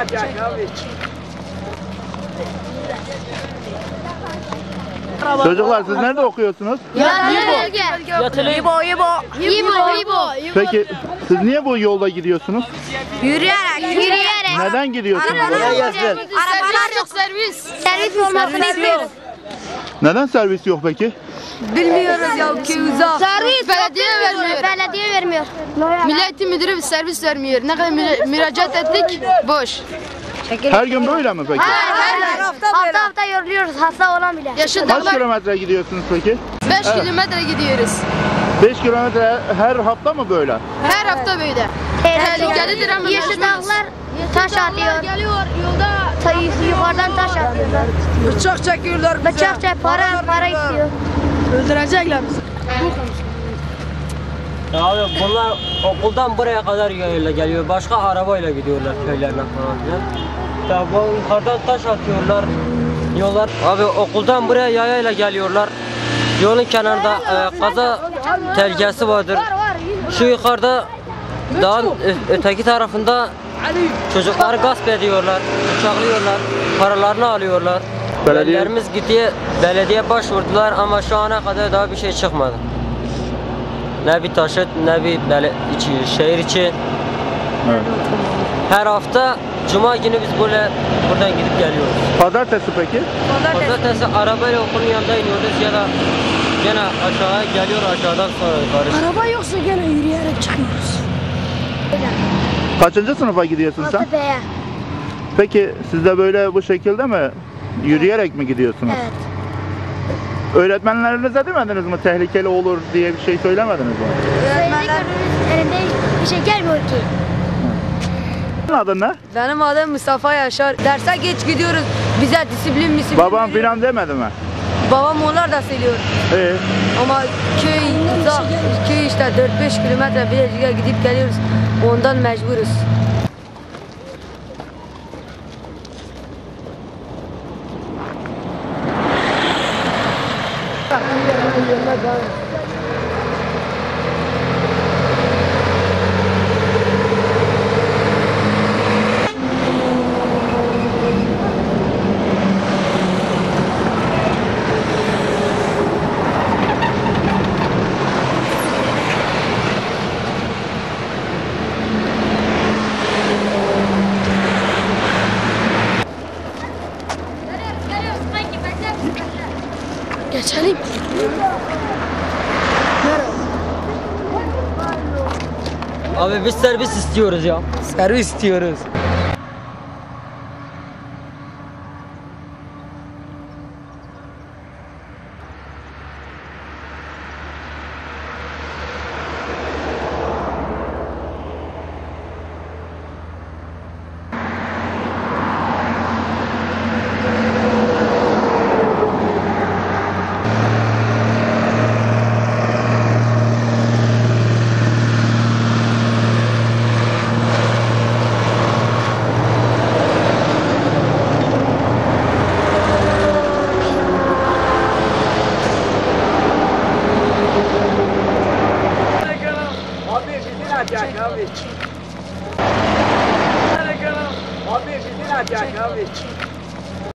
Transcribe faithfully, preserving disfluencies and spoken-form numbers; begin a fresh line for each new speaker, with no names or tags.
Çocuklar siz nerede okuyorsunuz?
Yatılı. İbo, İbo. İbo, İbo.
Peki siz niye bu yolda gidiyorsunuz?
Yürüyerek, yürüyerek.
Neden gidiyorsunuz?
Arabalar yok, servis. Servis olmasını istiyoruz.
Neden servis yok peki?
Bilmiyoruz ya ki uzak. Servis belediye vermiyor. Belediye vermiyor. Milli müdürü servis vermiyor. Ne kadar müracaat ettik, boş.
Her gün böyle mi peki?
Her gün hafta hafta yoruluyoruz, hasta olan bile. Yaşı
Kaç kilometre gidiyorsunuz peki?
beş kilometre gidiyoruz.
beş kilometre her hafta mı böyle?
Her hafta böyle. Tehlikelidir ama yeşil dağlar taş atıyor. Geliyor yolda yukarıdan taş atıyorlar.
Bıçak çekiyorlar bize.
Bıçak çek, para para istiyor.
Öldürecekler bizi.
Ya abi bunlar okuldan buraya kadar yayıyla geliyor. Başka arabayla gidiyorlar köylerine falan filan. Ya bu yukarıdan taş atıyorlar. Yollar abi okuldan buraya yayayla geliyorlar. Yolun kenarında e, kaza tehlikesi vardır. Şu yukarıda dağın öteki tarafında çocukları gasp ediyorlar, bıçaklıyorlar, paralarını alıyorlar.
Belediye...
Belediyelerimiz gidiyor, belediye başvurdular ama şu ana kadar daha bir şey çıkmadı. Ne bir taşıt, ne bir bele, içi, şehir içi.
Evet.
Her hafta Cuma günü biz böyle buradan gidip geliyoruz.
Pazartesi peki?
Pazartesi arabayla okulun yanında iniyoruz ya da gene aşağıya geliyor aşağıdan sonra yukarı.
Araba yoksa gene yürüyerek çıkıyoruz.
Kaçıncı sınıfa gidiyorsun sen?
B'ye.
Peki siz de böyle bu şekilde mi? Yürüyerek mi gidiyorsunuz?
Evet.
Öğretmenlerinize demediniz mi tehlikeli olur diye bir şey söylemediniz mi?
Öğretmenler elinde bir şey gelmiyor ki.
Adın ne?
Benim adım Mustafa Yaşar. Derse geç gidiyoruz. Bize disiplin misiplin
Babam
veriyor.
filan demedi mi?
Babam onlar da söylüyor.
Ee,
Ama köy uzak, köy işte dört beş kilometre Bilecik'e gidip geliyoruz. Ondan mecburuz.
Geçelim.
Abi biz servis istiyoruz ya.
Servis istiyoruz.